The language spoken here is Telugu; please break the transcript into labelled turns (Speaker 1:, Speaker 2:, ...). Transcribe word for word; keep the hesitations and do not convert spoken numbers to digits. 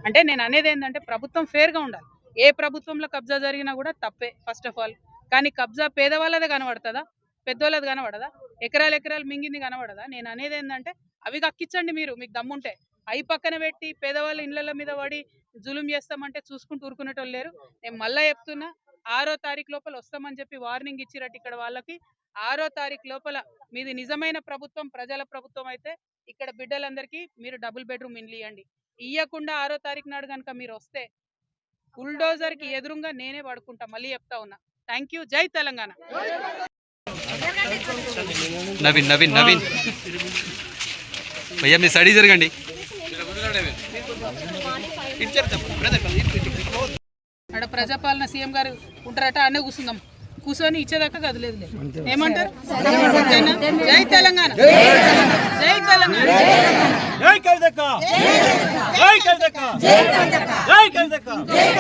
Speaker 1: అంటే నేను అనేది ఏంటంటే ప్రభుత్వం ఫేర్గా ఉండాలి. ఏ ప్రభుత్వంలో కబ్జా జరిగినా కూడా తప్పే ఫస్ట్ ఆఫ్ ఆల్. కానీ కబ్జా పేదవాళ్ళదే కనబడుతుందా, పెద్దోళ్ళది కనబడదా, ఎకరాలు ఎకరాలు మింగింది కనబడదా? నేను అనేది ఏంటంటే అవి కక్కించండి మీరు, మీకు దమ్ముంటే. అవి పక్కన పెట్టి పేదవాళ్ళ ఇళ్ళ మీద పడి జులుం చేస్తామంటే చూసుకుంటూ ఊరుకునేటోళ్ళు లేరు. నేను మళ్ళీ చెప్తున్నా, ఆరో తారీఖు లోపల వస్తామని చెప్పి వార్నింగ్ ఇచ్చిరట్టు ఇక్కడ వాళ్ళకి. ఆరో తారీఖు లోపల మీది నిజమైన ప్రభుత్వం, ప్రజల ప్రభుత్వం అయితే ఇక్కడ బిడ్డలందరికీ మీరు డబుల్ బెడ్రూమ్ ఇండ్లు ఇవ్వండి. ఇయ్యకుండా ఆరో తారీఖు నాడు కనుక మీరు వస్తే బుల్డోజర్ కి ఎదురుగా నేనే పడుకుంటా. మళ్ళీ చెప్తా ఉన్నా. Thank you. జై తెలంగాణ.
Speaker 2: నవీన్ నవీన్ నవీన్ భయ్యా మీ స్టడీ జరగండి.
Speaker 1: అక్కడ ప్రజాపాలన సీఎం గారు ఉంటారట, అన్నీ కూర్చుందాం. కూర్చొని ఇచ్చేదాకా కదలేదు. ఏమంటారు? జై తెలంగాణ, జై తెలంగాణ,
Speaker 3: జై కవితక్క, జై కవితక్క, జై కవితక్క, జై కవితక్క.